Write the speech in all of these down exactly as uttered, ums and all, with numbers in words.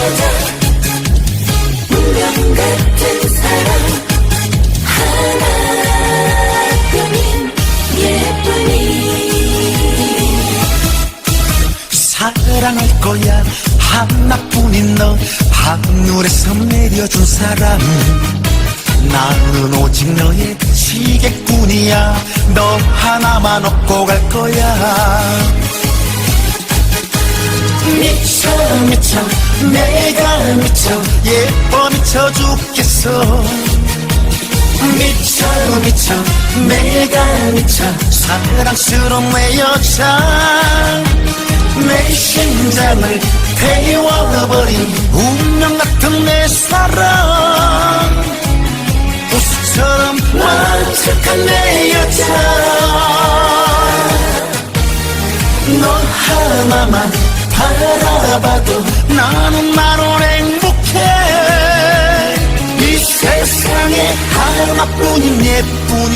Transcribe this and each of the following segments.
여자, 운명 같은 사랑, 하나뿐인 예쁜이. 사랑할 거야 하나뿐인 너, 하늘에서 내려준 사람. 나는 오직 너의 시계꾼이야. 너 하나만 얻고 갈 거야. 미쳐 미쳐 내가 미쳐, 예뻐 미쳐 죽겠어. 미쳐 미쳐 내가 미쳐, 사랑스러운 내 여자. 내 심장을 태워버린 운명 같은 내 사랑. 우수처럼 완벽한 내 여자. 너 하나만 바라봐도 나는 나로 행복해. 이 세상에 하나뿐인 예쁜이.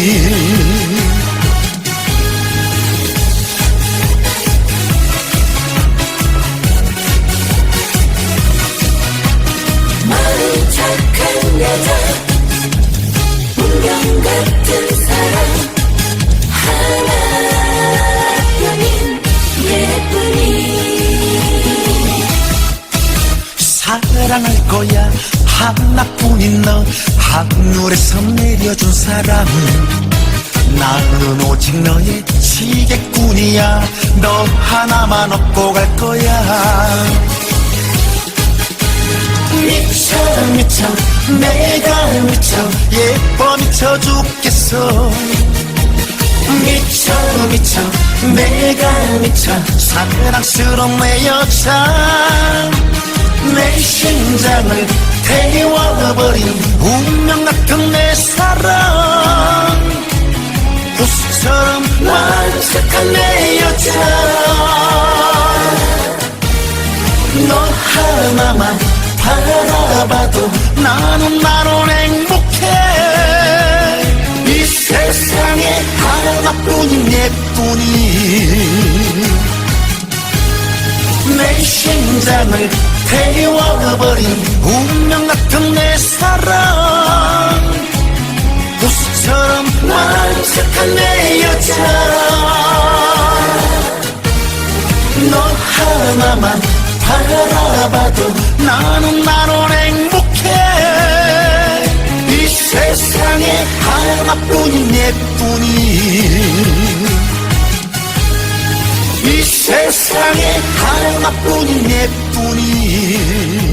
마음 착한 여자, 운명 같은 사랑, 하나뿐인 예쁜이. 사랑할 거야 하나뿐인 너, 하늘에서 내려준 사람. 나는 오직 너의 시계꾼이야. 너 하나만 얻고 갈 거야. 미쳐 미쳐 내가 미쳐, 예뻐 미쳐 죽겠어. 미쳐 미쳐 내가 미쳐, 사랑스러운 내 여자. 내 심장을 태워버린 운명 같은 내 사랑. 우수처럼 완벽한 내 여자. 너 하나만 바라봐도 나는 나로 행복해. 이 세상에 하나뿐인 예쁜이. 내 심장을 태워버린 운명 같은 내 사랑. 우수처럼 완벽한 내 여자. 너 하나만 바라봐도 나는 나로 행복해. 이 세상에 하나뿐인 예쁜이. 이 세상에 하나뿐인 예쁜이.